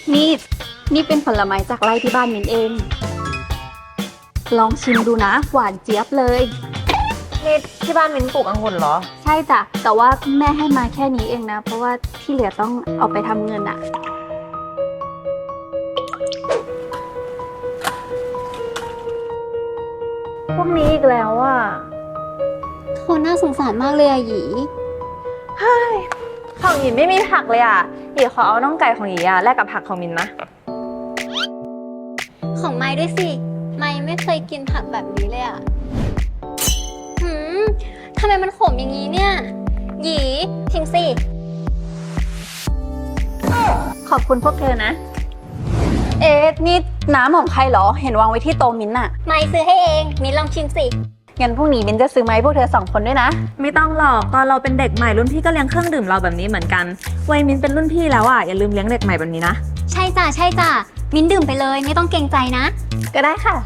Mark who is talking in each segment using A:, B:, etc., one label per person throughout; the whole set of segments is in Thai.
A: นี่นี่เป็นผลไม้จากไร่ที่บ้านมินเอง ลองชิมดูนะ หวานเจี๊ยบเลย
B: นี่ที่บ้านมิ้นปลูกองุ่นเหรอ
A: ใช่จ้ะ แต่ว่าแม่ให้มาแค่นี้เองนะ เพราะว่าที่เหลือต้องเอาไปทำเงินอะพวกนี้อีกแล้วอะ
C: คนน่าสงสารมากเลยอะหยี
B: ของหยินไม่มีผักเลยอ่ะหยินขอเอาน่องไก่ของหยินอ่ะแลกกับผักของมินนะ
C: ของไม้ด้วยสิ ไม้ไม่เคยกินผักแบบนี้เลยอะหืมทำไมมันขมอย่างนี้เนี่ย หยีชิมสิ
A: ขอบคุณพวกเธอนะ เอ๊ะนี่น้ำของใครเหรอ เห็นวางไว้ที่โต๊ะมิ้นท์อะ
C: ไม้ซื้อให้เอง มิ้นลองชิมสิ
A: งั้นพรุ่งนี้มิ้นท์จะซื้อมาให้พวกเธอ2 คนด้วยนะ
B: ไม่ต้องหรอกตอนเราเป็นเด็กใหม่รุ่นพี่ก็เลี้ยงเครื่องดื่มเราแบบนี้เหมือนกันวัยมินเป็นรุ่นพี่แล้วอ่ะอย่าลืมเลี้ยงเด็กใหม่แบบนี้นะ
C: ใช่จ้ะใช่จ้ะ มิ้นดื่มไปเลย ไม่ต้องเกรงใจนะ
A: ก็ได้ค่ะ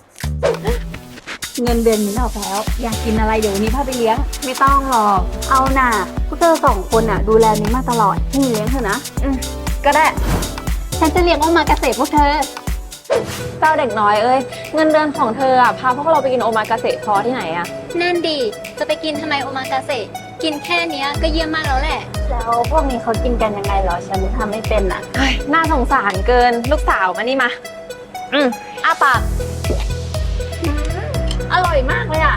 A: เงินเดือนมิ้นท์ออกแล้ว อยากกินอะไรเดี๋ยววันนี้พาไปเลี้ยง
B: ไม่ต้องหรอก
A: เอาน่ะพวกเธอ2 คนน่ะดูแลมิ้นท์มาตลอดให้มิ้นท์เลี้ยงเธอนะ
B: ก็ได้
A: ฉันจะเลี้ยงโอมากาเสะพวกเธอ
B: เจ้าเด็กน้อยเอ้ยเงินเดือนของเธออ่ะพาพวกเราไปกินโอมากาเสะพอที่ไหนอ่ะ
C: นั่นดี จะไปกินทำไมโอมากาเสะกินแค่เนี้ยก็เยี่ยมมากแล้วแหละ
A: แล้วพวกนี้เขากินกันยังไงเหรอ ฉันทำไม่เป็นอ่ะ
B: น่าสงสารเกินลูกสาวมานี่มาอ้าปาก
A: อร่อยมากเลยอ่ะ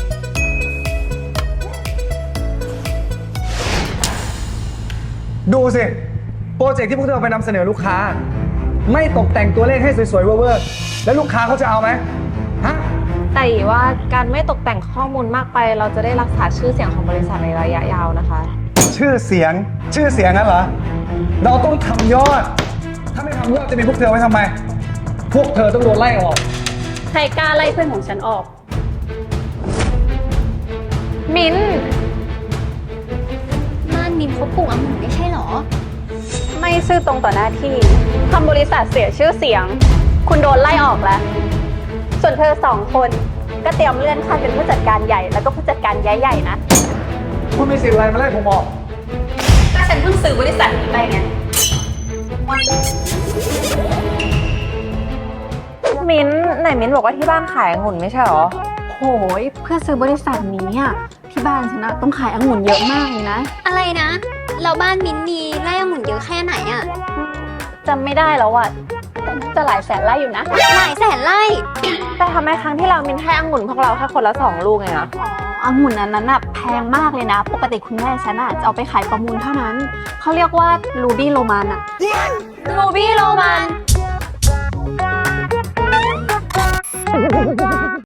D: ดูสิ โปรเจกต์ที่พวกเธอเอาไปนำเสนอลูกค้า ไม่ตกแต่งตัวเลขให้สวยๆเวอร์ๆแล้วลูกค้าเขาจะเอาไหมฮะ
B: แต่ว่าการไม่ตกแต่งข้อมูลมากไป เราจะได้รักษาชื่อเสียงของบริษัทในระยะยาวนะคะ
D: ชื่อเสียงนั้นเหรอ เราต้องทำยอด ถ้าไม่ทำยอดจะมีพวกเธอไว้ทำไม พวกเธอต้องโดนไล่ออก
A: ใครกล้าไล่เพื่อนของฉันออก
B: มิ้น
C: บ้านมิ้นเขาปลูกองุ่นไม่ใช่เหรอ
A: ไม่ซื่อตรงต่อหน้าที่ทำบริษัทเสียชื่อเสียง คุณโดนไล่ออกแล้ว ส่วนเธอ2 คนก็เตรียมเลื่อนขั้นเป็นผู้จัดการใหญ่แล้วก็ผู้จัดการย้ายใหญ่นะ
D: คุณมีสิทธิ์อะไรมาไล่ผมออก
A: ก็ฉันเพิ่งซื้อบริษัทนี้ไปไง
B: มิ้นไหนมิ้นบอกว่าที่บ้านขายองุ่นไม่ใช่หรอ
A: โหยเพื่อซื้อบริษัทนี้อ่ะที่บ้านฉันนะต้องขายองุ่นเยอะมากเลยนะ
C: อะไรนะ เราบ้านมิ้นมีไร่องุ่นเยอะแค่ไหนอะ
A: จำไม่ได้แล้วอ่ะแต่น่าจะหลายแสนไร่อยู่นะ
C: หลายแสนไร่
B: แต่ทำไมครั้งที่เรามิ้นให้องุ่นพวกเราแค่คนละ2 ลูกไงอะ
A: องุ่นอันนั้นน่ะแพงมากเลยนะ ปกติคุณแม่ฉันอ่ะจะเอาไปขายประมูลเท่านั้น เขาเรียกว่ารูบี้โรมันอ่ะ
C: รูบี้โรมัน